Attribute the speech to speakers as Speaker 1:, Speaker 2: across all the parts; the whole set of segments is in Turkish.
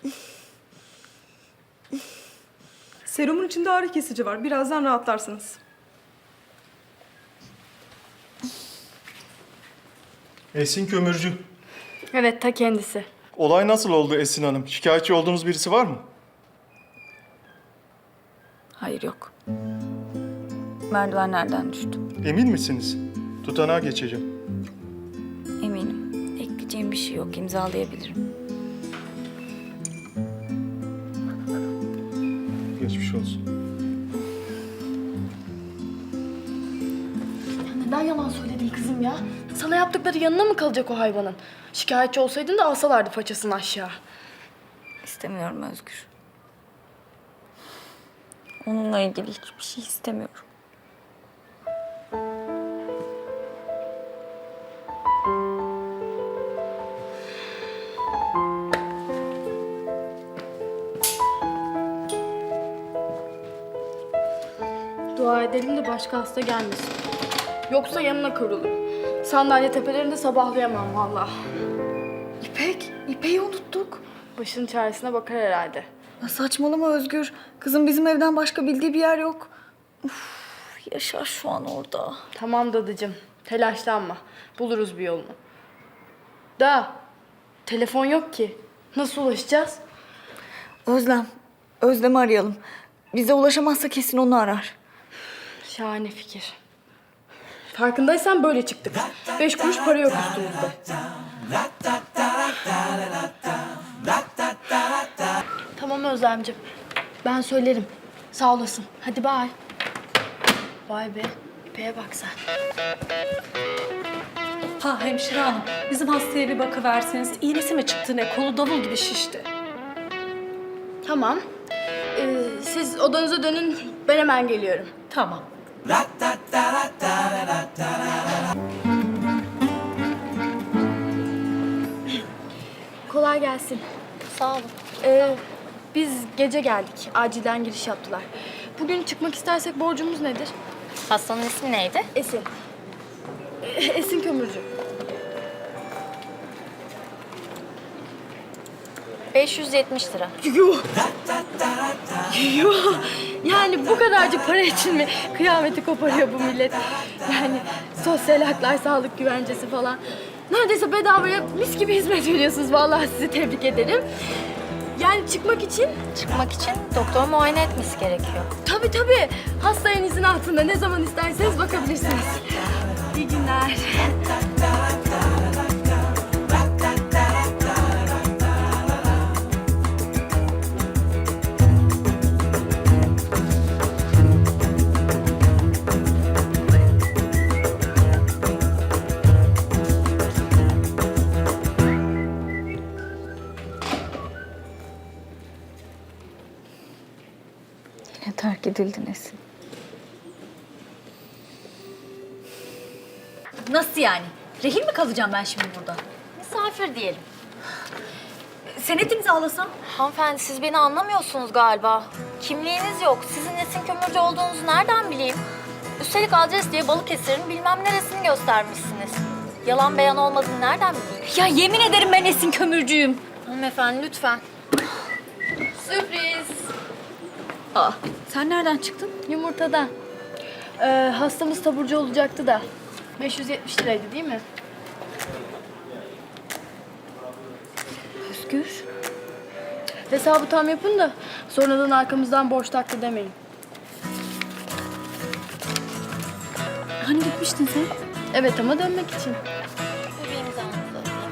Speaker 1: Serumun içinde ağrı kesici var. Birazdan rahatlarsınız.
Speaker 2: Esin Kömürcü.
Speaker 3: Evet, ta kendisi.
Speaker 2: Olay nasıl oldu Esin Hanım? Şikayetçi olduğunuz birisi var mı?
Speaker 4: Hayır yok. Merdivenlerden düştüm.
Speaker 2: Emin misiniz? Tutanağa geçeceğim.
Speaker 4: Eminim. Ekleyeceğim bir şey yok. İmzalayabilirim.
Speaker 2: Geçmiş olsun.
Speaker 3: Neden yalan söyledin kızım ya? Sana yaptıkları yanına mı kalacak o hayvanın? Şikayetçi olsaydın da alsalardı paçasını aşağı.
Speaker 4: İstemiyorum Özgür. Onunla ilgili hiçbir şey istemiyorum.
Speaker 3: Dua edelim de başka hasta gelmesin. Yoksa yanına kıvrılırım. Sandalye tepelerinde sabahlayamam vallahi.
Speaker 4: İpek'i unuttuk.
Speaker 3: Başının çaresine bakar herhalde.
Speaker 4: Ya saçmalama Özgür. Kızım bizim evden başka bildiği bir yer yok. Uf, Yaşar şu an orada.
Speaker 3: Tamam dadıcığım, telaşlanma. Buluruz bir yolunu. Da, telefon yok ki. Nasıl ulaşacağız?
Speaker 4: Özlem'i arayalım. Bize ulaşamazsa kesin onu arar.
Speaker 3: Şahane fikir. Farkındaysan böyle çıktık. 5 kuruş para yok üstümüzde. Tamam Özlemciğim. Ben söylerim. Sağ olasın. Hadi bay. Vay be. İpeğe bak sen.
Speaker 5: Ha hemşire hanım, bizim hastaya bir bakıverseniz iğnesi mi çıktı ne? Kolu davul gibi şişti.
Speaker 3: Tamam. Siz odanıza dönün. Ben hemen geliyorum.
Speaker 5: Tamam.
Speaker 3: Kolay gelsin.
Speaker 4: Sağ olun.
Speaker 3: Biz gece geldik. Acilden giriş yaptılar. Bugün çıkmak istersek borcumuz nedir?
Speaker 4: Hastanın ismi neydi?
Speaker 3: Esin. Esin Kömürcü.
Speaker 4: 570 lira.
Speaker 3: Yuh! Yuh! Yani bu kadarcık para için mi kıyameti koparıyor bu millet? Yani sosyal haklar, sağlık güvencesi falan. Neredeyse bedavaya mis gibi hizmet veriyorsunuz. Vallahi sizi tebrik ederim. Yani çıkmak için?
Speaker 4: Çıkmak için doktor muayene etmesi gerekiyor.
Speaker 3: Tabii tabii. Hasta elinizin altında ne zaman isterseniz bakabilirsiniz. İyi günler.
Speaker 4: Yine terk edildin Esin.
Speaker 6: Nasıl yani? Rehin mi kalacağım ben şimdi burada?
Speaker 4: Misafir diyelim.
Speaker 6: Senet imzalasam?
Speaker 4: Hanımefendi siz beni anlamıyorsunuz galiba. Kimliğiniz yok. Sizin Esin Kömürcü olduğunuzu nereden bileyim? Üstelik adres diye Balıkesir'in bilmem neresini göstermişsiniz. Yalan beyan olmadığını nereden bileyim?
Speaker 6: Ya yemin ederim ben Esin Kömürcüyüm.
Speaker 4: Hanımefendi lütfen.
Speaker 3: Sürpriz.
Speaker 6: Aa, sen nereden çıktın?
Speaker 3: Yumurtada. Hastamız taburcu olacaktı da. 570 liraydı değil mi?
Speaker 6: Özgür.
Speaker 3: Hesabı tam yapın da sonradan arkamızdan borç taktı demeyin.
Speaker 6: Hani gitmiştin sen?
Speaker 3: Evet ama dönmek için.
Speaker 4: Bir imzanızı alayım.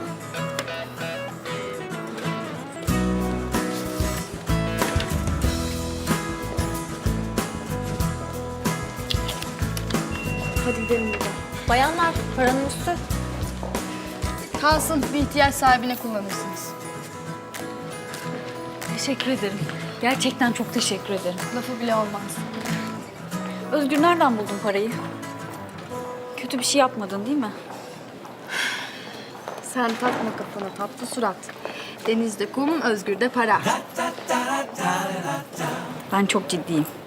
Speaker 3: Hadi gidelim buradan.
Speaker 4: Bayanlar paranın üstü.
Speaker 3: Kalsın, bir ihtiyaç sahibine kullanırsınız.
Speaker 6: Teşekkür ederim. Gerçekten çok teşekkür ederim.
Speaker 3: Lafı bile olmaz.
Speaker 6: Özgür nereden buldun parayı? Kötü bir şey yapmadın değil mi?
Speaker 3: Sen takma kafana tatlı surat. Denizde kum, Özgür'de para.
Speaker 6: Ben çok ciddiyim.